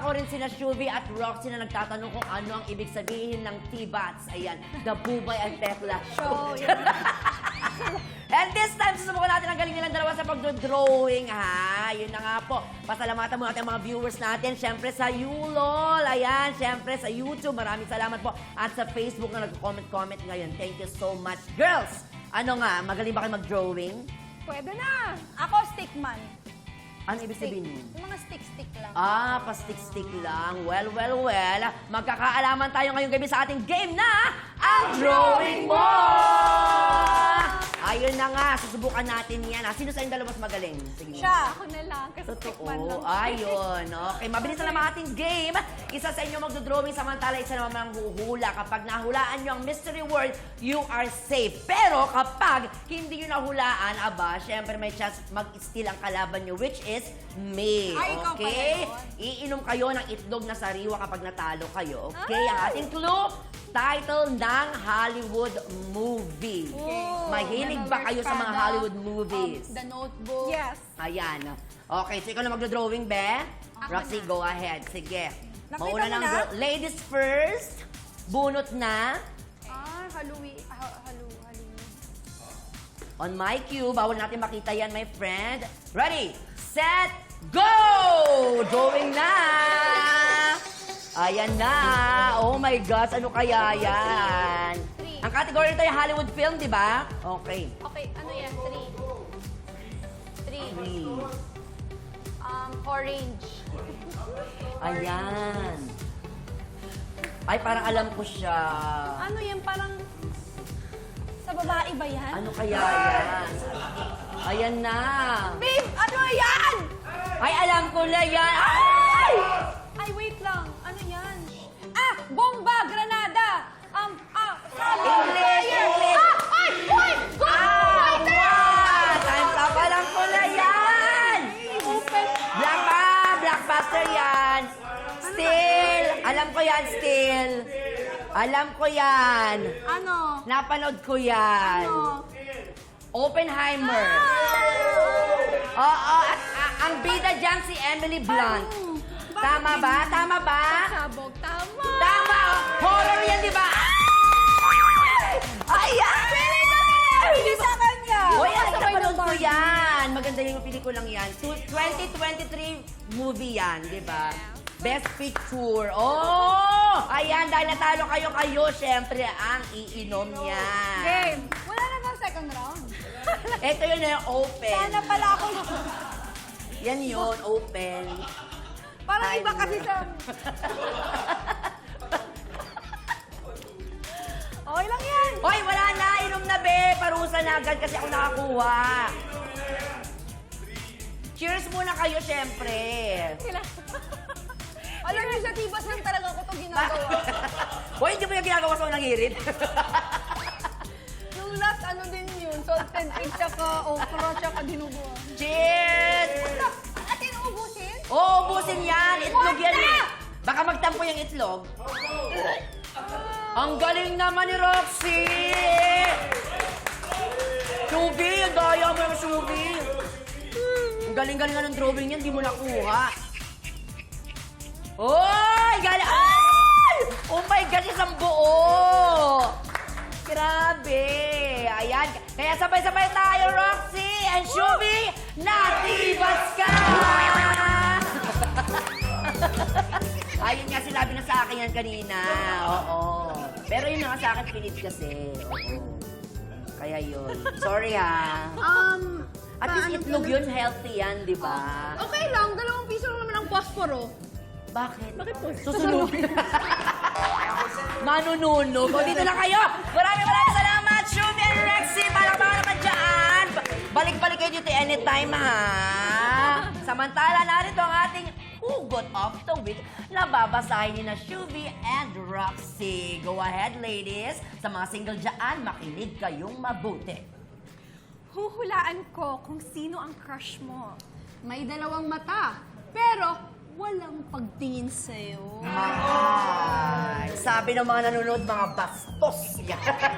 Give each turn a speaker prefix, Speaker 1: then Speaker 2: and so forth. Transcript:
Speaker 1: ko rin sina Shuvi at Roxy na nagtatanong kung ano ang ibig sabihin ng T-Bats. Ayan, the Bubay and Tekla Show. And this time, susubukan natin ang galing nilang dalawa sa pagdodrawing, ha? Yun na nga po. Pasalamatan mo natin ang mga viewers natin. Siyempre sa Yulol. Ayan, siyempre sa YouTube. Maraming salamat po. At sa Facebook na nag-comment ngayon. Thank you so much. Girls, ano nga? Magaling ba kayo mag-drawing?
Speaker 2: Pwede na. Ako, stickman.
Speaker 1: Ano ibig sabihin nun?
Speaker 2: Yung mga stick-stick lang.
Speaker 1: Ah, pa-stick-stick lang. Well. Magkakaalaman tayo ngayong gabi sa ating game na ang Drawing Mo! Ayun na nga, susubukan natin yan. Sino sa yung dalawa mas magaling? Sige.
Speaker 2: Siya. Ako na lang, kasi stickman lang.
Speaker 1: Totoo. Ayun. Okay, mabilis na naman ating game. Isa sa inyo magdodrawing, samantala isa naman ang huhula. Kapag nahulaan nyo ang mystery word, you are safe. Pero kapag hindi nyo nahulaan, aba, syempre may chance mag-steal ang kalaban nyo, which is me.
Speaker 2: Ay, ikaw
Speaker 1: Okay?
Speaker 2: pala yun.
Speaker 1: Iinom kayo ng itlog na sariwa kapag natalo kayo. Okay? Ang ating clue, title ng Hollywood movie.
Speaker 2: Oh,
Speaker 1: Mahilig ba kayo sa mga Hollywood movies?
Speaker 2: The Notebook. Yes.
Speaker 1: Ayan. Okay, so ikaw na magdodrawing, be? Roxy, go ahead. Sige.
Speaker 2: Nakita
Speaker 1: Mauna
Speaker 2: mo
Speaker 1: ng
Speaker 2: na?
Speaker 1: ladies first. Bunot na.
Speaker 2: Halloween.
Speaker 1: On my cue, bawal natin makita yan, my friend. Ready, set, go! Drawing na! Ayan na. Oh my gosh, ano kaya yan? Ang category nito ay Hollywood film, di ba? Okay.
Speaker 2: Okay, ano yan? Three.
Speaker 1: Three.
Speaker 2: Orange.
Speaker 1: Ayan. Ay, parang alam ko siya.
Speaker 2: Ano yan? Parang sa babae ba yan?
Speaker 1: Ano kaya yan? Ayan na.
Speaker 2: Babe, ano yan?
Speaker 1: Ay, alam ko na yan. Ay!
Speaker 2: Ay, wait lang. Ano yan? Bomba! Granada!
Speaker 1: English!
Speaker 2: Ay! Uy!
Speaker 1: What? Time's up. Alam ko na yan. Blockbuster yan. Still. Alam ko yan, still. Alam ko yan.
Speaker 2: Ano?
Speaker 1: Napanood ko yan.
Speaker 2: Ano?
Speaker 1: Oppenheimer. Oo, at ang bida dyan si Emily Blunt. Tama ba? Tama ba?
Speaker 2: Sabog. Tama!
Speaker 1: Tama! Horror yan, di ba? Ayan!
Speaker 2: Hindi sa kanya!
Speaker 1: Uy, napanood ko yan. Maganda yung pelikulang yan. 2023 movie yan, di ba? Best Picture. Oh! Ayan, dahil natalo kayo, syempre, ang iinom niya.
Speaker 2: Game! Wala na bang second round?
Speaker 1: Ito yun na yung open.
Speaker 2: Sana pala ako.
Speaker 1: Yan yun, open.
Speaker 2: Parang
Speaker 1: Ay,
Speaker 2: iba kasi sa... Okay lang yan.
Speaker 1: Hoy, wala na. Inom na, be. Parusa na agad kasi ako nakakuha. Cheers muna kayo, syempre.
Speaker 2: Alam niyo, sa tibas lang talaga ko ito ginagawa.
Speaker 1: Hoy, hindi mo yung ginagawa sa unang hirit.
Speaker 2: Yung last, ano din yun? Salted egg, tsaka okra, tsaka dinuguan.
Speaker 1: Cheers!
Speaker 2: At inuubusin?
Speaker 1: Oo, ubusin yan. Itlog yan eh. Baka magtampo yung itlog. Ang galing naman ni Roxy! Shubi, ang daya mo yung Shubi. Ang galing-galing nga ng drawing yan, di mo nakuha. Oy! Galing! Ay! Oh my gosh, isang buo! Grabe! Ayan. Kaya sabay-sabay tayo, Roxy and Shubi, natibas ka! Ayun nga, sinabi na sa akin yan kanina. Oo. Pero yun nga sa akin, pilit kasi. Oo. Kaya yun. Sorry ha. At least itlog yun, healthy yan, di ba?
Speaker 2: Okay lang, 2 piso lang naman ang posporo.
Speaker 1: Bakit?
Speaker 2: Bakit po?
Speaker 1: Susunugin. Manununog. O, dito na kayo. Maraming salamat, Shubi and Rexy. Palakpakan naman dyan. Balik-balik kayo dito anytime, ha? Samantala, narito ang ating hugot of the week na babasahin ni na Shubi and Roxy. Go ahead, ladies. Sa mga single dyan, makinig kayong mabuti.
Speaker 2: Huhulaan ko kung sino ang crush mo. May 2 mata, pero walang pagtingin sa'yo.
Speaker 1: Ay, sabi ng mga nanonood, mga bastos. Yan.